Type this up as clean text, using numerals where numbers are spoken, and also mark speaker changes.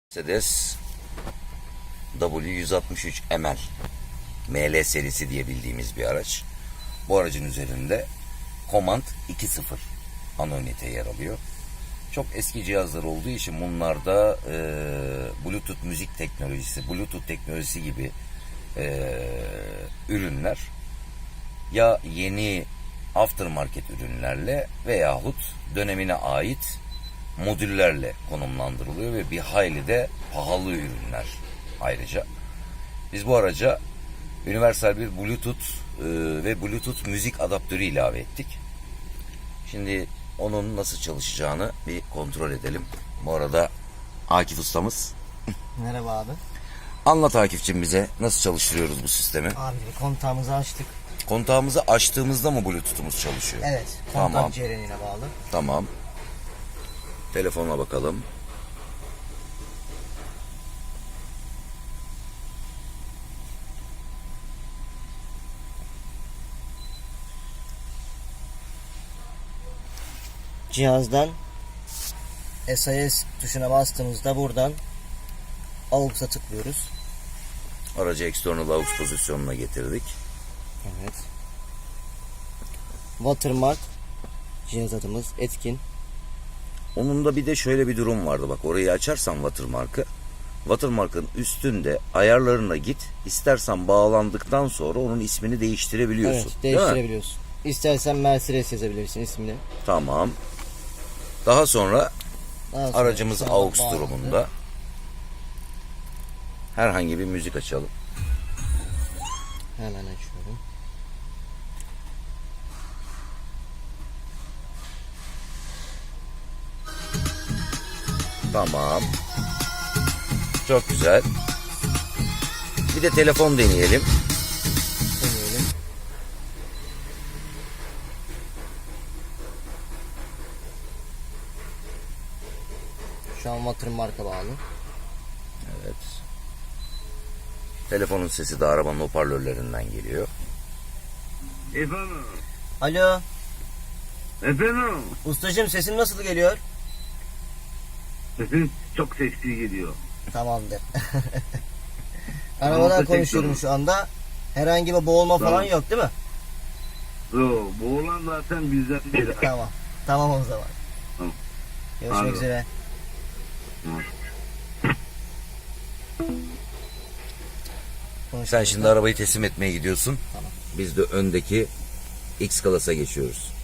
Speaker 1: Mercedes W163 ML ML serisi diye bildiğimiz bir araç. Bu aracın üzerinde Command 2.0 ana ünite yer alıyor. Çok eski cihazlar olduğu için bunlarda Bluetooth müzik teknolojisi, Bluetooth teknolojisi gibi ürünler ya yeni aftermarket ürünlerle veyahut dönemine ait modüllerle konumlandırılıyor ve bir hayli de pahalı ürünler ayrıca. Biz bu araca universal bir Bluetooth ve Bluetooth müzik adaptörü ilave ettik. Şimdi onun nasıl çalışacağını bir kontrol edelim. Bu arada Akif ustamız.
Speaker 2: Merhaba abi.
Speaker 1: Anlat Akif'cim bize nasıl çalıştırıyoruz bu sistemi?
Speaker 2: Abi kontağımızı açtık.
Speaker 1: Kontağımızı açtığımızda mı Bluetooth'umuz çalışıyor?
Speaker 2: Evet. Kontak
Speaker 1: Tamam.
Speaker 2: cerenine bağlı.
Speaker 1: Tamam. Telefonuna bakalım.
Speaker 2: Cihazdan SIS tuşuna bastığımızda buradan AUX'a tıklıyoruz.
Speaker 1: Aracı external aux pozisyonuna getirdik.
Speaker 2: Evet. Watermark cihaz adımız etkin.
Speaker 1: Onun da bir de şöyle bir durum vardı. Bak orayı açarsan watermark'ı. Watermark'ın üstünde ayarlarına git. İstersen bağlandıktan sonra onun ismini değiştirebiliyorsun.
Speaker 2: Evet,
Speaker 1: değil mi?
Speaker 2: değiştirebiliyorsun. İstersen Mercedes yazabilirsin ismini.
Speaker 1: Tamam. Daha sonra
Speaker 2: Daha sonra
Speaker 1: aracımız
Speaker 2: sonra
Speaker 1: aux
Speaker 2: bağlandı.
Speaker 1: durumunda. Herhangi bir müzik açalım.
Speaker 2: Hemen açıyorum.
Speaker 1: Tamam. Çok güzel. Bir de telefon deneyelim.
Speaker 2: Deneyelim. Şu an Watermark'a bağlı.
Speaker 1: Evet. Telefonun sesi de arabanın hoparlörlerinden geliyor.
Speaker 3: Efendim?
Speaker 2: Alo.
Speaker 3: Efendim?
Speaker 2: Ustacığım sesim nasıl geliyor?
Speaker 3: Sesin çok sesli geliyor.
Speaker 2: Tamamdır. Arabadan konuşuyorum şu anda. Herhangi bir boğulma falan
Speaker 3: Tamam.
Speaker 2: yok değil mi?
Speaker 3: Yo, bu olan zaten bizden biri.
Speaker 2: Tamam. Tamam o zaman.
Speaker 3: Tamam.
Speaker 2: Görüşmek
Speaker 3: Anladım.
Speaker 2: üzere.
Speaker 1: Sen şimdi arabayı teslim etmeye gidiyorsun.
Speaker 2: Tamam.
Speaker 1: Biz de öndeki X Class'a geçiyoruz.